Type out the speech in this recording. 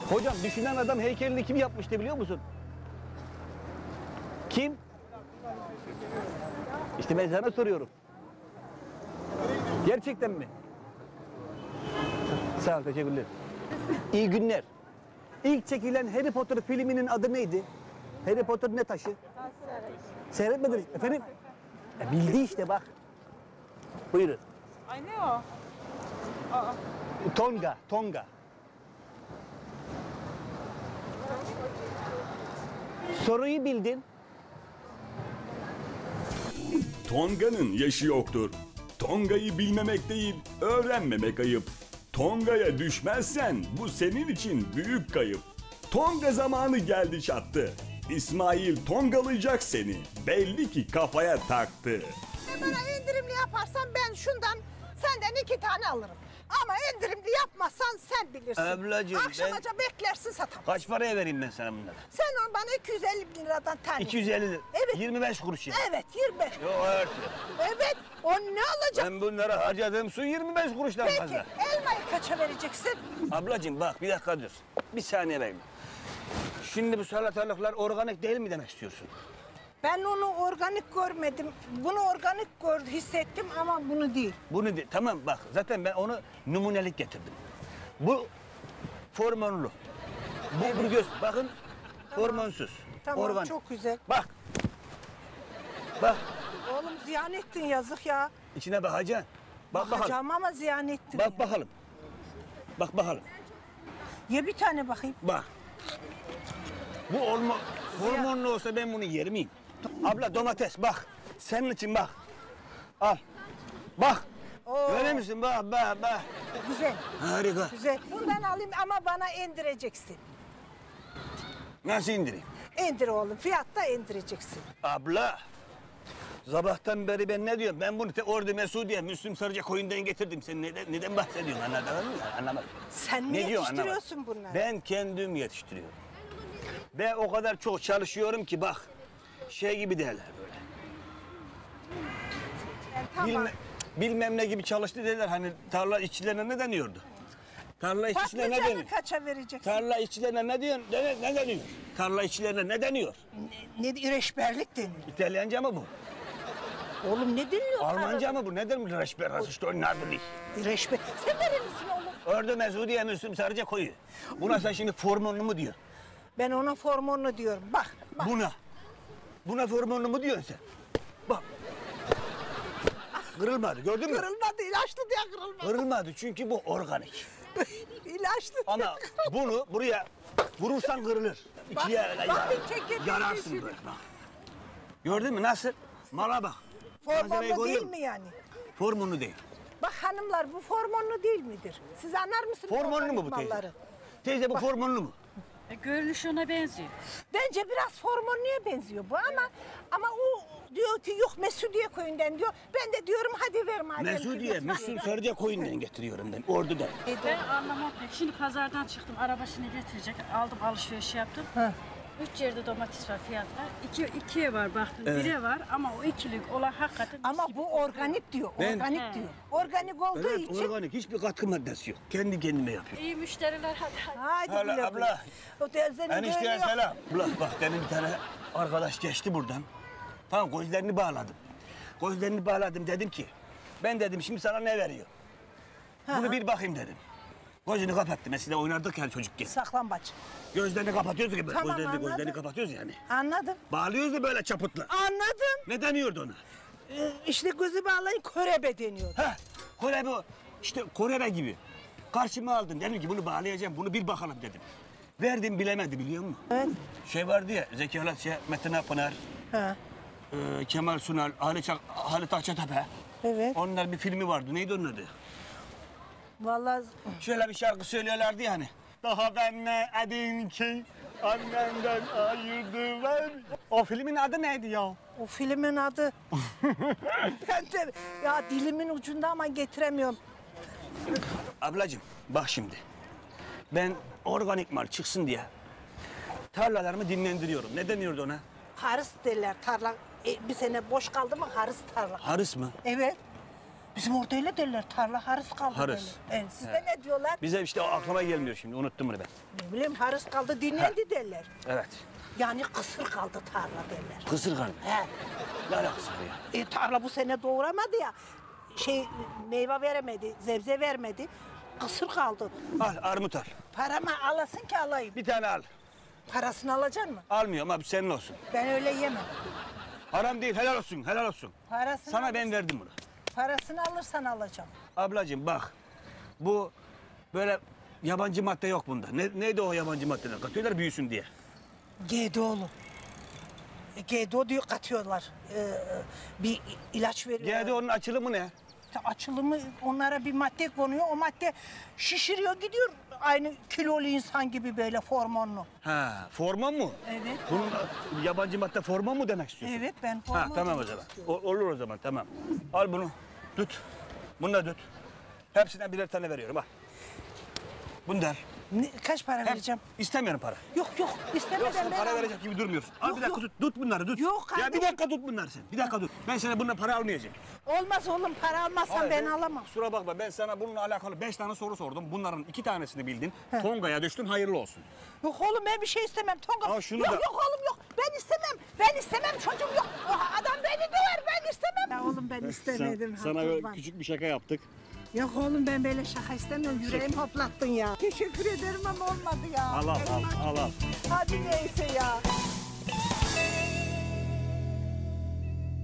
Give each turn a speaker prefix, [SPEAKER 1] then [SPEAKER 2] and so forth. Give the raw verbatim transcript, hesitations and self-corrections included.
[SPEAKER 1] Hocam düşünen adam heykelini kim yapmıştı biliyor musun? Kim? İşte ben sana soruyorum. Gerçekten mi? Sağ ol, teşekkürler. İyi günler. İlk çekilen Harry Potter filminin adı neydi? Harry Potter ne taşı? Seyretmediniz efendim? E, bildi işte bak. Buyurun.
[SPEAKER 2] Ay ne o? Aa.
[SPEAKER 1] Tonga, Tonga. Soruyu bildin.
[SPEAKER 3] Tonga'nın yaşı yoktur. Tonga'yı bilmemek değil, öğrenmemek ayıp. Tonga'ya düşmezsen bu senin için büyük kayıp. Tonga zamanı geldi çattı. İsmail Tongalayacak seni. Belli ki kafaya taktı.
[SPEAKER 4] Bana indirimli yaparsan ben şundan senden iki tane alırım. Ama indirimli yapmazsan sen bilirsin.
[SPEAKER 1] Ablacığım,
[SPEAKER 4] Akşamaca ben... beklersin satamam.
[SPEAKER 1] Kaç paraya vereyim ben sana bunları?
[SPEAKER 4] Sen onu bana iki yüz elli bin liradan tane.
[SPEAKER 1] iki yüz elli lira.
[SPEAKER 4] Evet.
[SPEAKER 1] yirmi beş kuruş ya.
[SPEAKER 4] Evet yirmi beş.
[SPEAKER 1] Yok evet.
[SPEAKER 4] Evet o ne olacak?
[SPEAKER 1] Ben bunlara harcadığım su yirmi beş kuruştan
[SPEAKER 4] Peki
[SPEAKER 1] fazla.
[SPEAKER 4] elmayı kaça vereceksin?
[SPEAKER 1] Ablacığım bak bir dakika dur. Bir saniye bekle. Şimdi bu salatalıklar organik değil mi demek istiyorsun?
[SPEAKER 4] Ben onu organik görmedim. Bunu organik gördüm, hissettim ama bunu değil.
[SPEAKER 1] Bunu de, tamam bak zaten ben onu numunelik getirdim. Bu hormonlu. Bu, bu göz bakın
[SPEAKER 4] Tamam.
[SPEAKER 1] hormonsuz.
[SPEAKER 4] Tamam
[SPEAKER 1] Organ.
[SPEAKER 4] çok güzel.
[SPEAKER 1] Bak. Bak
[SPEAKER 4] Oğlum ziyan ettin yazık ya.
[SPEAKER 1] içine bakacaksın. Bak bakalım.
[SPEAKER 4] Bakacağım ama ziyan ettin.
[SPEAKER 1] Bak
[SPEAKER 4] ya.
[SPEAKER 1] bakalım. Bak bakalım.
[SPEAKER 4] Ye bir tane bakayım.
[SPEAKER 1] Bak. Bu hormon, hormonlu olsa ben bunu yer miyim? Abla domates bak. Senin için bak. Al. Bak.
[SPEAKER 4] Oo.
[SPEAKER 1] Görüyor musun? Bak bak bak.
[SPEAKER 4] Güzel.
[SPEAKER 1] Harika.
[SPEAKER 4] Güzel. Bundan alayım ama bana indireceksin.
[SPEAKER 1] Nasıl indireyim?
[SPEAKER 4] İndir oğlum. Fiyatta indireceksin.
[SPEAKER 1] Abla. Sabahtan beri ben ne diyorum? Ben bunu te Ordu Mesudiye, Müslüm Sarıca koyundan getirdim. Sen neden, neden bahsediyorsun? Anladın mı? Anlamadım.
[SPEAKER 4] Sen mi
[SPEAKER 1] Ne diyorsun?
[SPEAKER 4] yetiştiriyorsun
[SPEAKER 1] Anlamadım.
[SPEAKER 4] bunları?
[SPEAKER 1] Ben kendim yetiştiriyorum. Ve o kadar çok çalışıyorum ki bak. Şey gibi derler böyle.
[SPEAKER 4] Yani tamam.
[SPEAKER 1] Bilme, bilmem ne gibi çalıştı derler. Hani tarla işçilerine ne deniyordu? Tarla işçilerine ne
[SPEAKER 4] Patlıcanı
[SPEAKER 1] deniyor?
[SPEAKER 4] kaça vereceksin?
[SPEAKER 1] Tarla işçilerine ne diyor? Ne, ne deniyor? Tarla işçilerine ne deniyor?
[SPEAKER 4] Ne, ne reşberlik deniyor.
[SPEAKER 1] İtalyanca mı bu?
[SPEAKER 4] Oğlum ne deniyor?
[SPEAKER 1] Almanca mı bu? Ne demek reşber? Işte o nerede?
[SPEAKER 4] Reşber. Sen nerelisin oğlum?
[SPEAKER 1] Ordu Mesudiye Müslüm Sarıca koyu. Buna sen şimdi hormonlu mu diyor?
[SPEAKER 4] Ben ona hormonlu diyorum. Bak, bak.
[SPEAKER 1] Buna. Buna hormonlu mu diyorsun sen? Bak. Kırılmadı gördün mü?
[SPEAKER 4] Kırılmadı, ilaçlı diye kırılmadı.
[SPEAKER 1] Kırılmadı çünkü bu organik.
[SPEAKER 4] İlaçlı diye
[SPEAKER 1] Ama bunu buraya vurursan kırılır. İkiye öyle
[SPEAKER 4] bak,
[SPEAKER 1] yar-
[SPEAKER 4] çekirdeği
[SPEAKER 1] yararsın
[SPEAKER 4] düşürür.
[SPEAKER 1] böyle bak. Gördün mü nasıl? Mala bak. Malzemeyi
[SPEAKER 4] Hormonlu
[SPEAKER 1] görüyor
[SPEAKER 4] değil
[SPEAKER 1] musun?
[SPEAKER 4] mi yani?
[SPEAKER 1] Hormonlu değil.
[SPEAKER 4] Bak hanımlar bu hormonlu değil midir? Siz anlar mısınız?
[SPEAKER 1] Hormonlu mu bu
[SPEAKER 4] organik
[SPEAKER 1] teyze?
[SPEAKER 4] malları?
[SPEAKER 1] Teyze bu hormonlu mu?
[SPEAKER 2] E, görünüş ona benziyor.
[SPEAKER 4] Bence biraz hormonluya benziyor bu ama ama o diyor ki yok Mesudiye köyünden diyor. Ben de diyorum hadi ver madem.
[SPEAKER 1] Mesudiye, Müslüm Sarıca koyundan getiriyorum ben Ordu'dan.
[SPEAKER 2] Ben anlamam pek. Şimdi pazardan çıktım. Arabasını getirecek. Aldım alışveriş yaptım.
[SPEAKER 4] Ha.
[SPEAKER 2] Üç yerde domates var fiyatlar. İki, ikiye var baktım. Bire var ama o ikilik olan hakikaten
[SPEAKER 4] Ama
[SPEAKER 2] mis gibi.
[SPEAKER 4] bu organik diyor.
[SPEAKER 1] Ben-
[SPEAKER 4] Organik
[SPEAKER 2] He.
[SPEAKER 4] diyor. Organik olduğu
[SPEAKER 1] Evet,
[SPEAKER 4] için.
[SPEAKER 1] organik hiçbir katkı maddesi yok. Kendi kendime yapıyorum.
[SPEAKER 2] İyi müşteriler hadi hadi.
[SPEAKER 4] Haydi
[SPEAKER 1] Hala
[SPEAKER 4] güle güle.
[SPEAKER 1] abla.
[SPEAKER 4] O teyzenin
[SPEAKER 1] Enişteye
[SPEAKER 4] düğünü yok.
[SPEAKER 1] selam. Ulan bak demin bir tane arkadaş geçti buradan. Tamam gözlerini bağladım. Gözlerini bağladım dedim ki ben dedim şimdi sana ne veriyor? Bunu bir bakayım dedim. Gözünü kapattı. Mesela oynardık yani çocukken.
[SPEAKER 4] Saklambaç.
[SPEAKER 1] Gözlerini kapatıyoruz gibi.
[SPEAKER 4] Tamam,
[SPEAKER 1] gözlerini,
[SPEAKER 4] anladım.
[SPEAKER 1] gözlerini kapatıyoruz yani.
[SPEAKER 4] Anladım.
[SPEAKER 1] Bağlıyoruz da böyle çaputla.
[SPEAKER 4] Anladım.
[SPEAKER 1] Ne deniyordu ona?
[SPEAKER 4] Ee, işte gözü bağlayın körebe deniyor.
[SPEAKER 1] Ha, Korebe o. İşte Korebe gibi. Karşıma aldın. Dedim ki bunu bağlayacağım. Bunu bir bakalım dedim. Verdim bilemedi biliyor musun?
[SPEAKER 4] Evet.
[SPEAKER 1] Şey vardı ya Zeki Alasya, Metin Akpınar,
[SPEAKER 4] Ha.
[SPEAKER 1] e, Kemal Sunal, Halit, Ak- Halit Akçatepe.
[SPEAKER 4] Evet.
[SPEAKER 1] Onlar bir filmi vardı. Neydi onun adı?
[SPEAKER 4] Vallahi
[SPEAKER 1] Şöyle bir şarkı söylüyorlardı ya hani. Daha ben ne edin ki annemden ayırdı ben. O filmin adı neydi ya?
[SPEAKER 4] o filmin adı. Ben de ya dilimin ucunda ama getiremiyorum.
[SPEAKER 1] Ablacığım bak şimdi. Ben organik mal çıksın diye tarlalarımı dinlendiriyorum. Ne deniyordu ona?
[SPEAKER 4] Harıs derler tarla. E, bir sene boş kaldı mı harıs tarla.
[SPEAKER 1] Harıs mı?
[SPEAKER 4] Evet. Bizim orada öyle derler. Tarla harız kaldı
[SPEAKER 1] Harız.
[SPEAKER 4] derler. Evet, sizde ne diyorlar?
[SPEAKER 1] Bize işte o aklıma gelmiyor şimdi. Unuttum bunu ben.
[SPEAKER 4] Ne bileyim harız kaldı dinlendi derler.
[SPEAKER 1] Evet.
[SPEAKER 4] Yani kısır kaldı tarla derler.
[SPEAKER 1] Kısır kan.
[SPEAKER 4] He.
[SPEAKER 1] Ne alakası var ya?
[SPEAKER 4] E, tarla bu sene doğuramadı ya. Şey meyve veremedi, sebze vermedi. Kısır kaldı.
[SPEAKER 1] Al armut al.
[SPEAKER 4] Paramı alasın ki alayım.
[SPEAKER 1] Bir tane al.
[SPEAKER 4] Parasını alacaksın mı?
[SPEAKER 1] Almıyorum abi senin olsun.
[SPEAKER 4] Ben öyle yemem.
[SPEAKER 1] Haram değil helal olsun helal olsun.
[SPEAKER 4] Parasını
[SPEAKER 1] Sana
[SPEAKER 4] alırsan-
[SPEAKER 1] ben verdim bunu.
[SPEAKER 4] Parasını alırsan alacağım.
[SPEAKER 1] Ablacığım bak. Bu böyle yabancı madde yok bunda. Ne, neydi o yabancı maddeler? Katıyorlar büyüsün diye.
[SPEAKER 4] G D O'lu. E, G D O diyor katıyorlar. Ee, bir ilaç veriyorlar.
[SPEAKER 1] G D O'nun açılımı ne?
[SPEAKER 4] İşte açılımı onlara bir madde konuyor. O madde şişiriyor gidiyor. Aynı kilolu insan gibi böyle hormonlu.
[SPEAKER 1] Ha, forman mu?
[SPEAKER 4] Evet.
[SPEAKER 1] Bunun yabancı madde forman mu demek istiyorsun?
[SPEAKER 4] Evet ben
[SPEAKER 1] Ha,
[SPEAKER 4] hormon
[SPEAKER 1] tamam o
[SPEAKER 4] demek
[SPEAKER 1] zaman.
[SPEAKER 4] istiyorum.
[SPEAKER 1] O- olur o zaman tamam. Al bunu. Tut. Bunu da tut. Hepsinden birer tane veriyorum al. Bunu da al.
[SPEAKER 4] Ne, kaç para
[SPEAKER 1] Hem-
[SPEAKER 4] vereceğim?
[SPEAKER 1] İstemiyorum para.
[SPEAKER 4] Yok yok istemeden
[SPEAKER 1] Yok sen
[SPEAKER 4] ben
[SPEAKER 1] para
[SPEAKER 4] almam.
[SPEAKER 1] verecek gibi durmuyorsun. Al
[SPEAKER 4] Yok,
[SPEAKER 1] bir dakika
[SPEAKER 4] yok.
[SPEAKER 1] tut. Tut bunları tut.
[SPEAKER 4] Yok
[SPEAKER 1] Ya bir
[SPEAKER 4] kardeşim.
[SPEAKER 1] dakika tut bunları sen. Bir dakika tut. Ben sana bununla para almayacağım.
[SPEAKER 4] Olmaz oğlum para almazsan
[SPEAKER 1] Hayır,
[SPEAKER 4] ben alamam.
[SPEAKER 1] Kusura bakma ben sana bununla alakalı beş tane soru sordum. Bunların iki tanesini bildin. Tonga'ya düştün hayırlı olsun.
[SPEAKER 4] Yok oğlum ben bir şey istemem. Tonga.
[SPEAKER 1] Al şunu
[SPEAKER 4] yok
[SPEAKER 1] da-
[SPEAKER 4] yok oğlum yok. Ben istemem. Ben istemem çocuğum yok. O adam beni döver ben istemem. Ya oğlum ben istemedim. ha, kurban.
[SPEAKER 1] küçük bir şaka yaptık.
[SPEAKER 4] Yok oğlum ben böyle şaka istemiyorum. Yüreğimi hoplattın ya. Teşekkür ederim ama olmadı ya.
[SPEAKER 1] Al al al al al.
[SPEAKER 4] Hadi neyse ya.